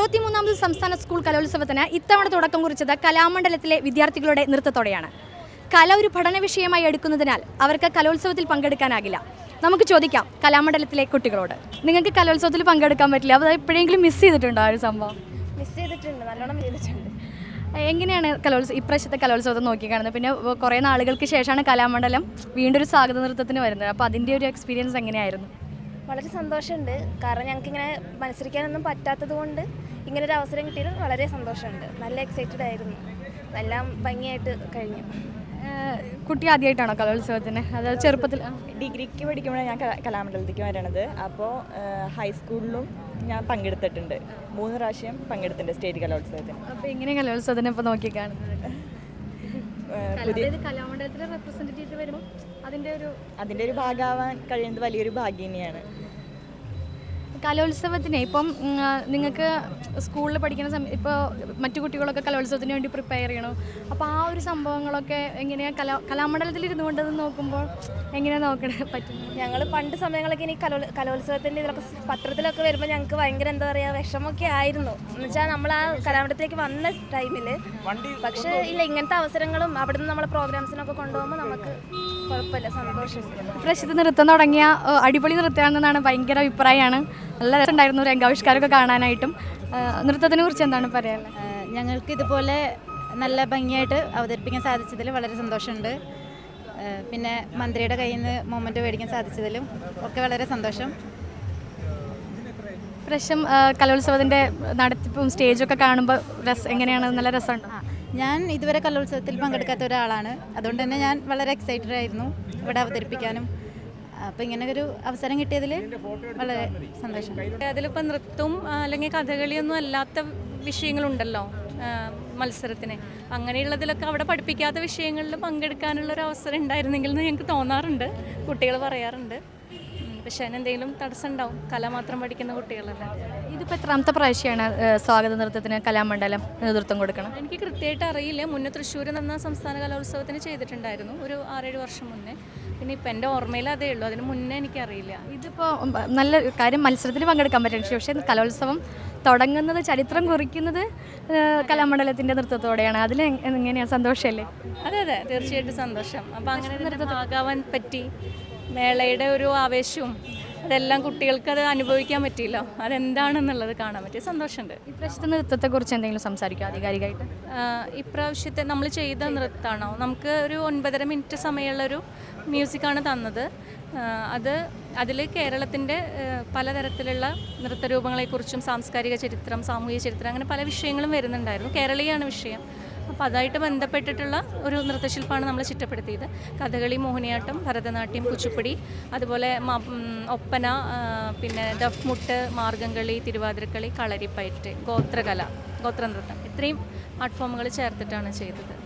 63ാമത് സംസ്ഥാന സ്കൂൾ കലോത്സവത്തിന് ഇത്തവണ തുടക്കം കുറിച്ചത് കലാമണ്ഡലത്തിലെ വിദ്യാർത്ഥികളുടെ നൃത്തത്തോടെയാണ്. കല ഒരു പഠന വിഷയമായി എടുക്കുന്നതിനാൽ അവർക്ക് കലോത്സവത്തിൽ പങ്കെടുക്കാനാകില്ല. നമുക്ക് ചോദിക്കാം കലാമണ്ഡലത്തിലെ കുട്ടികളോട്, നിങ്ങൾക്ക് കലോത്സവത്തിൽ പങ്കെടുക്കാൻ പറ്റില്ല, അത് എപ്പോഴെങ്കിലും മിസ് ചെയ്തിട്ടുണ്ടോ ആ ഒരു സംഭവം? മിസ് ചെയ്തിട്ടുണ്ട്, നല്ലോണം ചെയ്തിട്ടുണ്ട്. എങ്ങനെയാണ് ഇപ്രാവശ്യത്തെ കലോത്സവത്തെ നോക്കിക്കാണുന്നത്? പിന്നെ കുറേ നാളുകൾക്ക് ശേഷമാണ് കലാമണ്ഡലം വീണ്ടും ഒരു സ്വാഗത നൃത്തത്തിന് വരുന്നത്. അപ്പോൾ അതിൻ്റെ ഒരു എക്സ്പീരിയൻസ് എങ്ങനെയായിരുന്നു? വളരെ സന്തോഷമുണ്ട്. കാരണം ഞങ്ങൾക്കിങ്ങനെ മത്സരിക്കാനൊന്നും പറ്റാത്തത് കൊണ്ട് ഇങ്ങനൊരു അവസരം കിട്ടിയത് വളരെ സന്തോഷമുണ്ട്. നല്ല എക്സൈറ്റഡ് ആയിരുന്നു. എല്ലാം ഭംഗിയായിട്ട് കഴിഞ്ഞു. കുട്ടി ആദ്യമായിട്ടാണോ കലോത്സവത്തിന്? അതായത് ചെറുപ്പത്തിൽ ഡിഗ്രിക്ക് പഠിക്കുമ്പോഴാണ് ഞാൻ കലാമണ്ഡലത്തേക്ക് വരണത്. അപ്പോൾ ഹൈസ്കൂളിലും ഞാൻ പങ്കെടുത്തിട്ടുണ്ട്. 3 പ്രാവശ്യം പങ്കെടുത്തിട്ടുണ്ട് സ്റ്റേറ്റ് കലോത്സവത്തിന്. അപ്പോൾ എങ്ങനെ കലോത്സവത്തിനെ ഇപ്പോൾ നോക്കിക്കാണുന്നത്? കലാമണ്ഡലത്തിലെ റെപ്രസെൻറ്റേറ്റീവ് വരുമ്പോൾ അതിൻ്റെ ഒരു ഭാഗമാവാൻ കഴിയുന്നത് വലിയൊരു ഭാഗ്യം തന്നെയാണ്. കലോത്സവത്തിന് ഇപ്പം നിങ്ങൾക്ക് സ്കൂളിൽ പഠിക്കുന്ന സമയം ഇപ്പോൾ മറ്റു കുട്ടികളൊക്കെ കലോത്സവത്തിന് വേണ്ടി പ്രിപ്പയർ ചെയ്യണം. അപ്പോൾ ആ ഒരു സംഭവങ്ങളൊക്കെ എങ്ങനെയാണ് കലാമണ്ഡലത്തിൽ ഇരുന്നു കൊണ്ടത് നോക്കുമ്പോൾ എങ്ങനെയാണ് നോക്കണേ പറ്റും? ഞങ്ങൾ പണ്ട് സമയങ്ങളൊക്കെ ഇനി കലോത്സവത്തിൻ്റെ ഇതിലൊക്കെ പത്രത്തിലൊക്കെ വരുമ്പോൾ ഞങ്ങൾക്ക് ഭയങ്കര എന്താ പറയുക വിഷമമൊക്കെ ആയിരുന്നു. എന്നുവെച്ചാൽ നമ്മൾ ആ കലാമണ്ഡലത്തിലേക്ക് വന്ന ടൈമിൽ. പക്ഷേ ഇല്ല, ഇങ്ങനത്തെ അവസരങ്ങളും അവിടെ നിന്ന് നമ്മളെ പ്രോഗ്രാംസിനൊക്കെ കൊണ്ടുപോകുമ്പോൾ നമുക്ക് കുഴപ്പമില്ല, സന്തോഷമുണ്ട്. ഇപ്രാവശ്യത്തെ നൃത്തം തുടങ്ങിയ അടിപൊളി നൃത്തമാണെന്നാണ് ഭയങ്കര അഭിപ്രായമാണ്. നല്ല രസമുണ്ടായിരുന്നു രംഗാവിഷ്കാരമൊക്കെ കാണാനായിട്ടും. നൃത്തത്തിനെ കുറിച്ച് എന്താണ് പറയാനുള്ളത്? ഞങ്ങൾക്ക് ഇതുപോലെ നല്ല ഭംഗിയായിട്ട് അവതരിപ്പിക്കാൻ സാധിച്ചതിൽ വളരെ സന്തോഷമുണ്ട്. പിന്നെ മന്ത്രിയുടെ കയ്യിൽ നിന്ന് മൊമെൻ്റ് മേടിക്കാൻ സാധിച്ചതിലും ഒക്കെ വളരെ സന്തോഷം. ഇപ്രാവശ്യം കലോത്സവത്തിൻ്റെ നടത്തിപ്പും സ്റ്റേജൊക്കെ കാണുമ്പോൾ എങ്ങനെയാണ്? നല്ല രസമുണ്ട്. ഞാൻ ഇതുവരെ കലോത്സവത്തിൽ പങ്കെടുക്കാത്ത ഒരാളാണ്. അതുകൊണ്ട് തന്നെ ഞാൻ വളരെ എക്സൈറ്റഡ് ആയിരുന്നു ഇവിടെ അവതരിപ്പിക്കാനും. അപ്പോൾ ഇങ്ങനെ ഒരു അവസരം കിട്ടിയതിൽ വളരെ സന്തോഷം. അതിലിപ്പോൾ നൃത്തവും അല്ലെങ്കിൽ കഥകളിയൊന്നും അല്ലാത്ത വിഷയങ്ങളുണ്ടല്ലോ മത്സരത്തിന്. അങ്ങനെയുള്ളതിലൊക്കെ അവിടെ പഠിപ്പിക്കാത്ത വിഷയങ്ങളിൽ പങ്കെടുക്കാനുള്ളൊരു അവസരം ഉണ്ടായിരുന്നെങ്കിൽ എന്ന് ഞങ്ങൾക്ക് തോന്നാറുണ്ട്, കുട്ടികൾ പറയാറുണ്ട്. പക്ഷേ അതിനെന്തെങ്കിലും തടസ്സം ഉണ്ടാവും, കല മാത്രം പഠിക്കുന്ന കുട്ടികളല്ല. ഇതിപ്പോൾ എത്രാമത്തെ പ്രാവശ്യമാണ് സ്വാഗത നൃത്തത്തിന് കലാമണ്ഡലം നേതൃത്വം കൊടുക്കണം? എനിക്ക് കൃത്യമായിട്ട് അറിയില്ല. മുന്നേ തൃശ്ശൂർ എന്ന സംസ്ഥാന കലോത്സവത്തിന് ചെയ്തിട്ടുണ്ടായിരുന്നു ഒരു 6-7 വർഷം മുന്നേ. പിന്നെ ഇപ്പം എൻ്റെ ഓർമ്മയിൽ അതേ ഉള്ളൂ, അതിന് മുന്നേ എനിക്കറിയില്ല. ഇതിപ്പോൾ നല്ല കാര്യം, മത്സരത്തിൽ പങ്കെടുക്കാൻ പറ്റും. പക്ഷേ കലോത്സവം തുടങ്ങുന്നത്, ചരിത്രം കുറിക്കുന്നത് കലാമണ്ഡലത്തിൻ്റെ നൃത്തത്തോടെയാണ്. അതിൽ എങ്ങനെയാണ്? സന്തോഷമല്ലേ? അതെ അതെ, തീർച്ചയായിട്ടും സന്തോഷം. അപ്പോൾ അങ്ങനെ ഭാഗമാവാൻ പറ്റി. മേളയുടെ ഒരു ആവേശവും അതെല്ലാം കുട്ടികൾക്ക് അത് അനുഭവിക്കാൻ പറ്റിയല്ലോ. അതെന്താണെന്നുള്ളത് കാണാൻ പറ്റിയ സന്തോഷമുണ്ട്. ഇപ്രാവശ്യത്തെ നൃത്തത്തെക്കുറിച്ച് എന്തെങ്കിലും സംസാരിക്കുക ആധികാരികമായിട്ട്? ഇപ്രാവശ്യത്തെ നമ്മൾ ചെയ്ത നൃത്തമാണോ? നമുക്ക് ഒരു 9.5 മിനിറ്റ് സമയമുള്ളൊരു മ്യൂസിക്കാണ് തന്നത്. അതിൽ കേരളത്തിൻ്റെ പലതരത്തിലുള്ള നൃത്തരൂപങ്ങളെക്കുറിച്ചും സാംസ്കാരിക ചരിത്രം, സാമൂഹിക ചരിത്രം, അങ്ങനെ പല വിഷയങ്ങളും വരുന്നുണ്ടായിരുന്നു. കേരളീയാണ് വിഷയം. അപ്പോൾ അതായിട്ട് ബന്ധപ്പെട്ടിട്ടുള്ള ഒരു നൃത്തശില്പമാണ് നമ്മൾ ചിട്ടപ്പെടുത്തിയത്. കഥകളി, മോഹിനിയാട്ടം, ഭരതനാട്യം, കുച്ചിപ്പുടി, അതുപോലെ ഒപ്പന, പിന്നെ ദഫ്മുട്ട്, മാർഗംകളി, തിരുവാതിരക്കളി, കളരിപ്പയറ്റ്, ഗോത്രനൃത്തം, ഇത്രയും ആർട്ട് ഫോമുകൾ ചേർത്തിട്ടാണ് ചെയ്തത്.